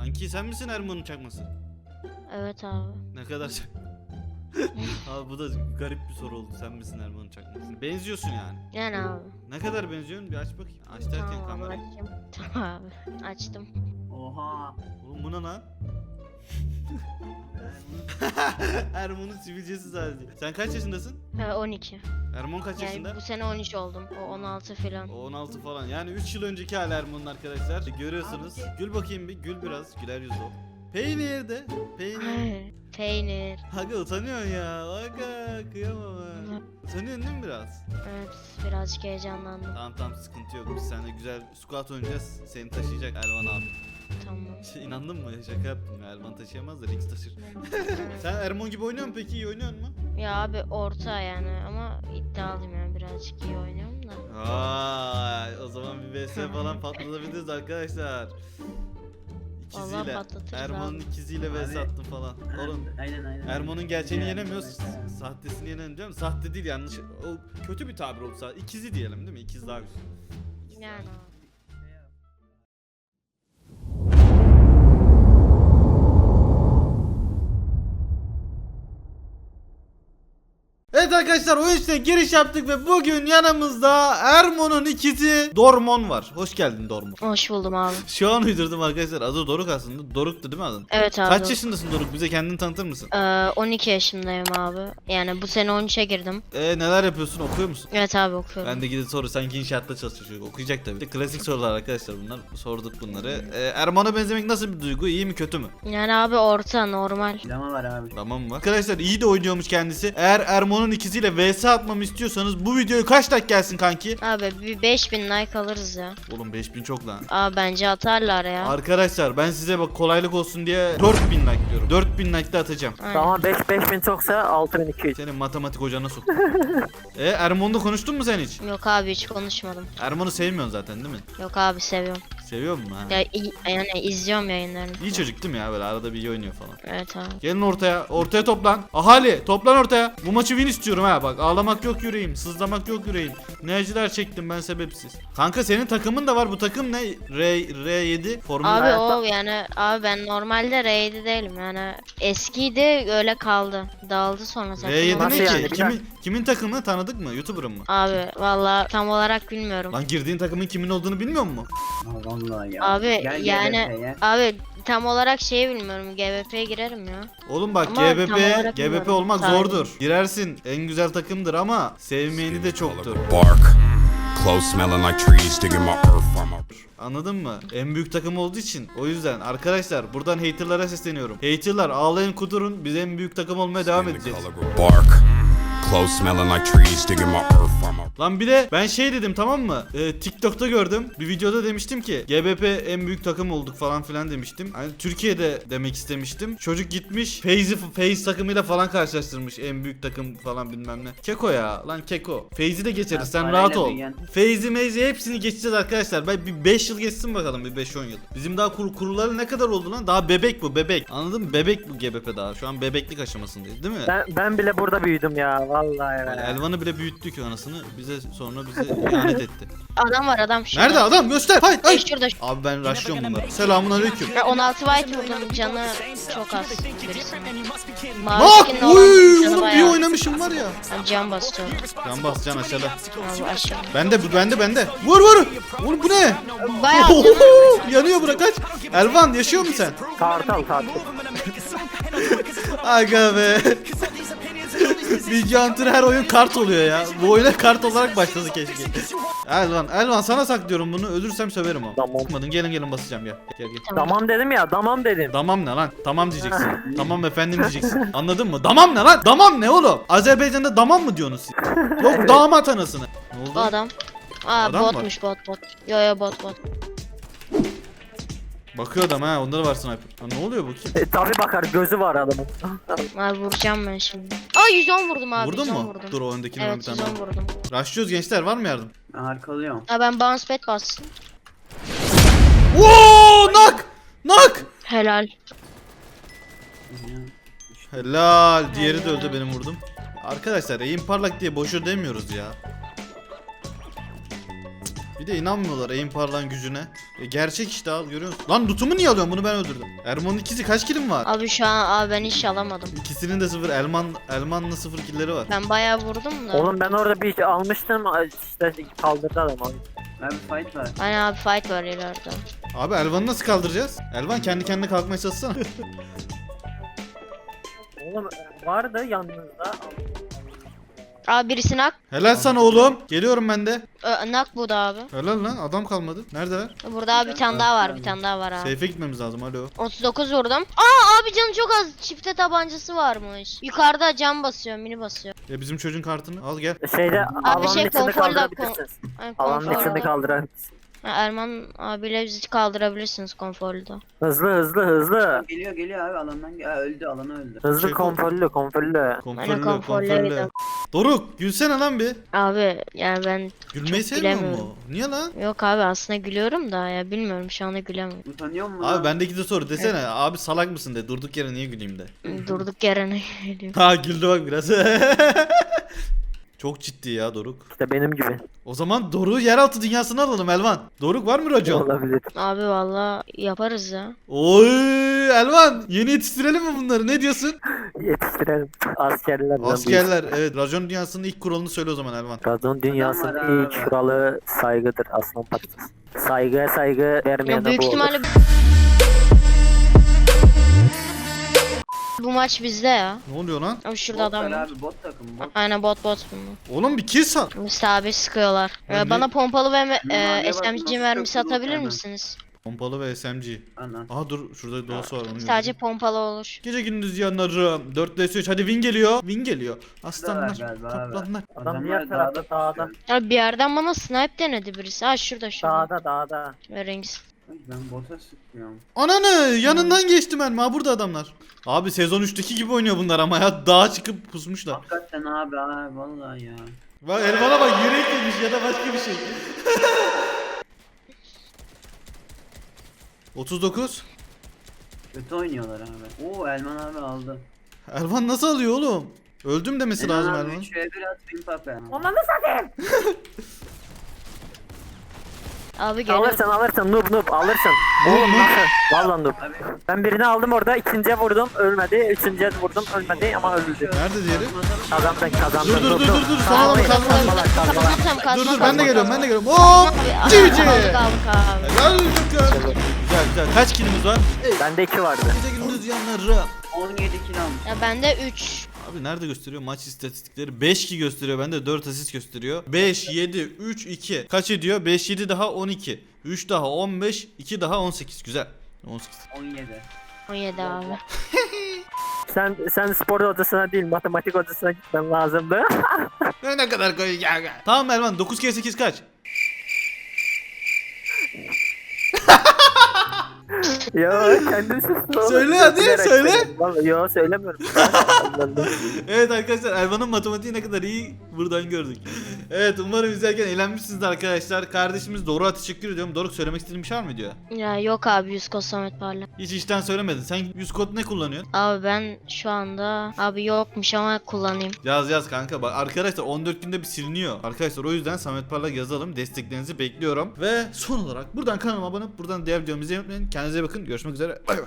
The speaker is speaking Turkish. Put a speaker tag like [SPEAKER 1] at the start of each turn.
[SPEAKER 1] Kanki sen misin Erman'ın çakması?
[SPEAKER 2] Evet abi.
[SPEAKER 1] Ne kadar Abi bu da garip bir soru oldu. Sen misin Erman'ın çakması? Benziyorsun yani.
[SPEAKER 2] Yani abi.
[SPEAKER 1] Ne kadar benziyorsun? Bir aç bakayım. Aç derken
[SPEAKER 2] Tamam abi
[SPEAKER 1] kamerayı.
[SPEAKER 2] açayım. Tamam abi. Açtım.
[SPEAKER 3] Oha.
[SPEAKER 1] Oğlum bu ne lan? Erman'ın sivilcesi sadece. Sen kaç yaşındasın?
[SPEAKER 2] 12.
[SPEAKER 1] Erman kaç
[SPEAKER 2] Yani
[SPEAKER 1] yaşında?
[SPEAKER 2] bu sene 13 oldum. O 16 falan.
[SPEAKER 1] O 16 falan. Yani 3 yıl önceki hali Erman'ın arkadaşlar. Görüyorsunuz. Gül bakayım bir. Gül biraz. Güler yüzlü ol. Peynir de. Peynir.
[SPEAKER 2] Peynir.
[SPEAKER 1] Aga utanıyorsun ya. Aga kıyamam ha. Utanıyorsun değil mi biraz?
[SPEAKER 2] Evet birazcık heyecanlandım.
[SPEAKER 1] Tamam sıkıntı yok. Biz seninle güzel squat oynayacağız. Seni taşıyacak Erman abi.
[SPEAKER 2] Tamam.
[SPEAKER 1] İnandın mı? Şaka yaptım ya. Erman taşıyamaz da Rix taşır. Sen Erman gibi oynuyor musun peki? İyi oynuyor musun?
[SPEAKER 2] Ya abi orta yani ama iddialıyım yani birazcık iyi oynuyorum da.
[SPEAKER 1] Vay, o zaman bir vs falan patlatabiliriz arkadaşlar.
[SPEAKER 2] Vallahi
[SPEAKER 1] İkiziyle.
[SPEAKER 2] patlatırız
[SPEAKER 1] Erman'ın
[SPEAKER 2] abi.
[SPEAKER 1] ikiziyle vs
[SPEAKER 3] Abi.
[SPEAKER 1] attım falan. Oğlum
[SPEAKER 3] Aynen.
[SPEAKER 1] Erman'ın gerçeğini yenemiyoruz. Sahtesini yenelim değil mi? Sahte değil yanlış. O kötü bir tabir oldu sadece. İkizi diyelim değil mi? İkiz daha güzel.
[SPEAKER 2] Yani abi.
[SPEAKER 1] Evet arkadaşlar oyun içine giriş yaptık ve bugün yanımızda Ermon'un ikizi Dormon var. Hoş geldin Dormon.
[SPEAKER 2] Hoş buldum abi.
[SPEAKER 1] Şu an uydurdum arkadaşlar. Adı Doruk aslında. Doruk'tu değil mi adın?
[SPEAKER 2] Evet abi.
[SPEAKER 1] Kaç yaşındasın Doruk? Bize kendini tanıtır mısın?
[SPEAKER 2] 12 yaşındayım abi. Yani bu sene 13'e girdim.
[SPEAKER 1] Neler yapıyorsun? Okuyor musun?
[SPEAKER 2] Evet abi okuyorum.
[SPEAKER 1] Ben de gidip soru sanki inşaatta çalışıyor. Okuyacak tabii. Klasik sorular arkadaşlar bunlar. Sorduk bunları. Erman'a benzemek nasıl bir duygu? İyi mi kötü mü?
[SPEAKER 2] Yani abi orta normal.
[SPEAKER 3] Drama var abi.
[SPEAKER 1] Tamam mı? Arkadaşlar iyi de oynuyormuş kendisi. Eğer Erman'ın ikisiyle vs atmamı istiyorsanız bu videoyu kaç like gelsin kanki?
[SPEAKER 2] Abi bir 5000 like alırız ya.
[SPEAKER 1] Oğlum 5000 çok lan.
[SPEAKER 2] Abi bence atarlar ya.
[SPEAKER 1] Arkadaşlar ben size bak kolaylık olsun diye 4000 like diyorum. 4000 like de atacağım.
[SPEAKER 2] Aynen.
[SPEAKER 4] Tamam 5000 çoksa 6200.
[SPEAKER 1] Senin matematik hocana sok. Erman'la konuştun mu sen hiç?
[SPEAKER 2] Yok abi hiç konuşmadım.
[SPEAKER 1] Erman'ı sevmiyorsun zaten değil mi?
[SPEAKER 2] Yok abi seviyorum.
[SPEAKER 1] Seviyor musun ha?
[SPEAKER 2] Ya yani izliyorum yayınlarını.
[SPEAKER 1] İyi çocuk değil mi ya böyle arada bir iyi oynuyor falan.
[SPEAKER 2] Evet abi.
[SPEAKER 1] Gelin ortaya. Ortaya toplan. Ahali toplan ortaya. Bu maçı win istiyorum ha. Bak ağlamak yok yüreğim. Sızlamak yok yüreğim. Ne acılar çektim ben sebepsiz. Kanka senin takımın da var. Bu takım ne? R7 formül.
[SPEAKER 2] Abi o yani abi ben normalde R7 değilim yani eskiydi öyle kaldı. Dağıldı sonra takım.
[SPEAKER 1] R7
[SPEAKER 4] Nasıl
[SPEAKER 1] ne ki?
[SPEAKER 4] yani?
[SPEAKER 1] Kimin takımı tanıdık mı? YouTuber'ın mı?
[SPEAKER 2] Abi valla tam olarak bilmiyorum.
[SPEAKER 1] Lan girdiğin takımın kimin olduğunu bilmiyor musun?
[SPEAKER 3] Aa, vallahi ya.
[SPEAKER 2] Abi
[SPEAKER 3] Gel
[SPEAKER 2] yani
[SPEAKER 3] GBP'ye.
[SPEAKER 2] abi tam olarak şeyi bilmiyorum. GBP'ye girerim ya.
[SPEAKER 1] Oğlum bak
[SPEAKER 2] Ama tam
[SPEAKER 1] GBP
[SPEAKER 2] olarak bilmiyorum.
[SPEAKER 1] olmak
[SPEAKER 2] Sahibi.
[SPEAKER 1] zordur. Girersin. En güzel takımdır ama sevmeyeni de çoktur.
[SPEAKER 5] Bark, clothes smelling like trees, digging my earth from up.
[SPEAKER 1] Anladın mı? En büyük takım olduğu için. O yüzden arkadaşlar buradan haterlara sesleniyorum. Haterlar ağlayın kudurun. Biz en büyük takım olmaya devam
[SPEAKER 5] Skin the
[SPEAKER 1] edeceğiz.
[SPEAKER 5] color of bark, clothes smelling like trees, digging my earth from up.
[SPEAKER 1] Lan bir de ben şey dedim tamam mı? TikTok'ta gördüm. Bir videoda demiştim ki GBP en büyük takım olduk falan filan demiştim. Hani Türkiye'de demek istemiştim. Çocuk gitmiş FaZe takımıyla falan karşılaştırmış. En büyük takım falan bilmem ne. Keko ya lan Keko. FaZe'i de geçeriz
[SPEAKER 3] Ha,
[SPEAKER 1] sen
[SPEAKER 3] parayla
[SPEAKER 1] rahat ol.
[SPEAKER 3] büyüyen.
[SPEAKER 1] FaZe'i hepsini geçeceğiz arkadaşlar. Ben bir 5 yıl geçsin bakalım bir 5-10 yıl. Bizim daha kuruları ne kadar oldu lan? Daha bebek bu bebek. Anladın mı? Bebek bu GBP daha. Şu an bebeklik aşamasındayız değil mi?
[SPEAKER 4] Ben bile burada büyüdüm ya vallahi
[SPEAKER 1] Yani
[SPEAKER 4] ya.
[SPEAKER 1] Elvan'ı bile büyüttük anasını. Sonra bize ihanet etti.
[SPEAKER 2] Adam var adam şurada.
[SPEAKER 1] Nerede adam? Göster. Hay hay.
[SPEAKER 2] Şurada.
[SPEAKER 1] Abi ben rushlıyorum bunları. Selamun aleyküm.
[SPEAKER 2] Ya 16 white vurdum canı çok az. Birisinin. Mavi
[SPEAKER 1] Bak!
[SPEAKER 2] skinli olan
[SPEAKER 1] Uy!
[SPEAKER 2] canı
[SPEAKER 1] Oğlum bir
[SPEAKER 2] bayağı.
[SPEAKER 1] oynamışım var ya.
[SPEAKER 2] Ben can basıyorum.
[SPEAKER 1] Can bas can aşağıda.
[SPEAKER 2] Abi aşağı.
[SPEAKER 1] Bende. Vur vur. Oğlum bu ne?
[SPEAKER 2] Bayağı canı.
[SPEAKER 1] Oho! Yanıyor bura kaç. Elvan yaşıyor musun sen?
[SPEAKER 4] Kartal.
[SPEAKER 1] Aga be. Bilgi Hunter her oyun kart oluyor ya. Bu oyuna kart olarak başladı keşke. Elvan sana saklıyorum bunu. Ölürsem söverim ama.
[SPEAKER 4] Tamam.
[SPEAKER 1] Bakmadın gelin basacağım gel. Gel.
[SPEAKER 4] Tamam dedim ya tamam dedim.
[SPEAKER 1] Damam ne lan? Tamam diyeceksin. Tamam efendim diyeceksin. Anladın mı? Damam ne lan? Damam ne oğlum? Azerbaycan'da damam mı diyorsunuz siz? Yok damat anasını. Ne oldu?
[SPEAKER 2] Bu adam. Aa
[SPEAKER 1] Adam mı
[SPEAKER 2] botmuş bot. Yo bot.
[SPEAKER 1] Bakıyor adam ha. Onda da var sniper. Ha, ne oluyor bu kim?
[SPEAKER 4] Tabi bakar gözü var adamın.
[SPEAKER 2] Abi vuracağım ben şimdi. Aa 110 vurdum abi.
[SPEAKER 1] Vurdun
[SPEAKER 2] 110
[SPEAKER 1] mu?
[SPEAKER 2] Vurdum.
[SPEAKER 1] Dur o öndekini ben bir
[SPEAKER 2] Evet
[SPEAKER 1] tane
[SPEAKER 2] 110
[SPEAKER 1] daha.
[SPEAKER 2] vurdum.
[SPEAKER 1] Rushlıyoruz gençler var mı yardım?
[SPEAKER 3] Ben arkalıyorum.
[SPEAKER 2] Ha ben bounce pad bastım.
[SPEAKER 1] Oo nak.
[SPEAKER 2] Helal.
[SPEAKER 1] Helal. Diğeri de öldü benim vurdum. Arkadaşlar aim parlak diye boşu demiyoruz ya. Bir de inanmıyorlar aim parlan gücüne. Gerçek işte, al görüyor musun? Lan lootumu niye alıyorsun? Bunu ben öldürdüm. Erman'ın ikizi kaç kilim var?
[SPEAKER 2] Abi şu an abi ben hiç alamadım.
[SPEAKER 1] İkisinin de 0. Elman'la 0 killeri var.
[SPEAKER 2] Ben bayağı vurdum da.
[SPEAKER 4] Oğlum ben orada bir şey almıştım işte kaldırdı adam abi.
[SPEAKER 3] Abi fight var.
[SPEAKER 2] Hani abi fight var ileride.
[SPEAKER 1] Abi Elvan'ı nasıl kaldıracağız? Elvan kendi kendine kalkmaya çalışsana.
[SPEAKER 4] Oğlum vardı yanınızda.
[SPEAKER 2] Abi birisi nak.
[SPEAKER 1] Helal sana oğlum. Geliyorum ben de.
[SPEAKER 2] Nak bu da abi.
[SPEAKER 1] Helal lan, adam kalmadı. Neredeler?
[SPEAKER 2] Burada abi bir tane daha var, bir tane daha var abi.
[SPEAKER 1] Seyfe gitmemiz lazım, alo.
[SPEAKER 2] 39 vurdum. Aa abi canı çok az. Çifte tabancası varmış. Yukarıda cam basıyor, mini basıyor.
[SPEAKER 1] Ya bizim çocuğun kartını al gel.
[SPEAKER 4] Şeyde alanın
[SPEAKER 2] şey,
[SPEAKER 4] içinde
[SPEAKER 2] konforda-
[SPEAKER 4] kaldırabilirsiniz.
[SPEAKER 2] Ay,
[SPEAKER 4] Alanın
[SPEAKER 2] konforlu.
[SPEAKER 4] içinde kaldırabilirsiniz.
[SPEAKER 2] Ha, Erman abiyle bizi kaldırabilirsiniz konforlu.
[SPEAKER 4] Hızlı.
[SPEAKER 3] Geliyor abi alandan. Öldü, alanı öldü.
[SPEAKER 4] Hızlı
[SPEAKER 1] Şey,
[SPEAKER 4] konforlu.
[SPEAKER 2] Aynen,
[SPEAKER 1] Konforlu,
[SPEAKER 2] konforlu.
[SPEAKER 1] konforlu. Doruk, gülsene lan bir.
[SPEAKER 2] Abi yani ben
[SPEAKER 1] Gülmeyi
[SPEAKER 2] Çok
[SPEAKER 1] sevmiyor
[SPEAKER 2] gülemiyorum.
[SPEAKER 1] mu? Niye lan?
[SPEAKER 2] yok abi aslında gülüyorum da ya bilmiyorum şu anda gülemiyorum.
[SPEAKER 3] Utanıyor musun?
[SPEAKER 1] Abi bendeki de soru desene. Abi salak mısın de. Durduk yere niye güleyim de.
[SPEAKER 2] Durduk yere ne gülüyorum.
[SPEAKER 1] Ha güldü bak biraz. Çok ciddi ya Doruk.
[SPEAKER 4] İşte benim gibi.
[SPEAKER 1] O zaman Doruk'u yeraltı dünyasına alalım Elvan. Doruk var mı racon?
[SPEAKER 4] Olabilir.
[SPEAKER 2] Abi valla yaparız ya.
[SPEAKER 1] Oy Elvan, yeni yetiştirelim mi bunları? Ne diyorsun?
[SPEAKER 4] Yetiştirelim. Askerler.
[SPEAKER 1] Askerler, evet, racon dünyasının ilk kuralını söyle o zaman Elvan.
[SPEAKER 4] Radon dünyasının
[SPEAKER 3] Adam var abi.
[SPEAKER 4] ilk kuralı saygıdır aslan parçası. Saygıya saygı vermeyen
[SPEAKER 2] Ya
[SPEAKER 4] de
[SPEAKER 2] büyük
[SPEAKER 4] bu olur.
[SPEAKER 2] ihtimalle bu maç bizde ya.
[SPEAKER 1] Ne oluyor lan?
[SPEAKER 2] Abi şurada
[SPEAKER 3] Bot var
[SPEAKER 2] adam var.
[SPEAKER 3] abi, bot takım bot.
[SPEAKER 2] Aynen bot bunlar.
[SPEAKER 1] Oğlum bir kill sal.
[SPEAKER 2] Mustafa abi sıkıyorlar.
[SPEAKER 1] Ben
[SPEAKER 2] Bana pompalı ve
[SPEAKER 3] Ne var,
[SPEAKER 2] SMG
[SPEAKER 3] nasıl
[SPEAKER 2] mermisi
[SPEAKER 3] sıkıyorsun
[SPEAKER 2] atabilir
[SPEAKER 3] hemen?
[SPEAKER 2] misiniz?
[SPEAKER 1] Pompalı ve SMG.
[SPEAKER 3] Anan.
[SPEAKER 1] Aha dur, şurada doğası var. Onu
[SPEAKER 2] Sadece
[SPEAKER 1] gördüm.
[SPEAKER 2] pompalı olur.
[SPEAKER 1] Gece gündüz yanarım. 4 vs 3. Hadi win geliyor. Win geliyor. Aslanlar.
[SPEAKER 3] galiba abi.
[SPEAKER 1] Kaplanlar.
[SPEAKER 4] Adam diğer tarafta dağda.
[SPEAKER 2] Abi bir yerden bana snipe denedi birisi. Ha şurada.
[SPEAKER 4] Dağda.
[SPEAKER 2] Rings.
[SPEAKER 3] Ben bota sıkıyorum.
[SPEAKER 1] Ananı yanından geçtim ben. Ha burada adamlar. Abi sezon 3'teki gibi oynuyor bunlar ama ya, dağa çıkıp pusmuşlar.
[SPEAKER 3] Hakikaten abi vallahi ya.
[SPEAKER 1] Bak Elvan'a bak, yürek yemiş ya da başka bir şey. 39.
[SPEAKER 3] Kötü oynuyorlar abi. Oo Elman abi aldı.
[SPEAKER 1] Elvan nasıl alıyor oğlum? Öldüm demesi lazım
[SPEAKER 3] abi
[SPEAKER 1] Elvan.
[SPEAKER 3] 3'e 1 at bin pape.
[SPEAKER 2] Abi geliyor.
[SPEAKER 4] Alırsın noob alırsın. Oğlum nasıl? Valla noob.
[SPEAKER 3] Abi
[SPEAKER 4] Ben birini aldım orada, ikinciye vurdum ölmedi, üçüncüye vurdum ölmedi ama öldü.
[SPEAKER 1] Nerede diğeri?
[SPEAKER 4] Kazandın.
[SPEAKER 1] Dur. Sana mı kalmadı?
[SPEAKER 2] Kazmam,
[SPEAKER 1] Dur ben de geliyorum. Hop!
[SPEAKER 2] Abi,
[SPEAKER 1] GG!
[SPEAKER 2] aldık abi.
[SPEAKER 1] Helal olsun. Güzel. Kaç kilimiz var?
[SPEAKER 4] Bende 2 vardı.
[SPEAKER 1] Gece gündüz yanarım.
[SPEAKER 3] 17 kilo almış.
[SPEAKER 2] Ya bende 3.
[SPEAKER 1] Abi nerede gösteriyor maç istatistikleri? 5 2 gösteriyor, bende 4 asist gösteriyor. 5 7 3 2. Kaç ediyor? 5 7 daha 12. 3 daha 15, 2 daha 18. Güzel. 18.
[SPEAKER 3] 17.
[SPEAKER 2] 17 abi.
[SPEAKER 4] Sen spor odasına değil matematik odasına gitmen lazımdı.
[SPEAKER 1] Ne kadar koy gel. Tamam Elvan, 9 kere 8 kaç?
[SPEAKER 4] Yo kendim sustum.
[SPEAKER 1] Söyle hadi,
[SPEAKER 4] Bilerek
[SPEAKER 1] söyle.
[SPEAKER 4] söyledim. Vallahi yo söylemiyorum.
[SPEAKER 1] Evet arkadaşlar, Elvan'ın matematiği ne kadar iyi buradan gördük. Evet, umarım izlerken eğlenmişsiniz arkadaşlar. Kardeşimiz Doruk'a teşekkür ediyorum. Doruk, söylemek istediğin bir şey var mı diyor?
[SPEAKER 2] Ya yok abi 100 kod Samet Parla.
[SPEAKER 1] Hiç işten söylemedin. Sen 100 kod ne kullanıyorsun?
[SPEAKER 2] Abi ben şu anda abi yokmuş ama kullanayım.
[SPEAKER 1] Yaz kanka, bak arkadaşlar 14 günde bir siliniyor. Arkadaşlar o yüzden Samet Parlak yazalım. Desteklerinizi bekliyorum. Ve son olarak buradan kanalıma abone olup buradan diğer videomu izlemeyi unutmayın. Kendinize iyi bakın. Görüşmek üzere. Bay bay.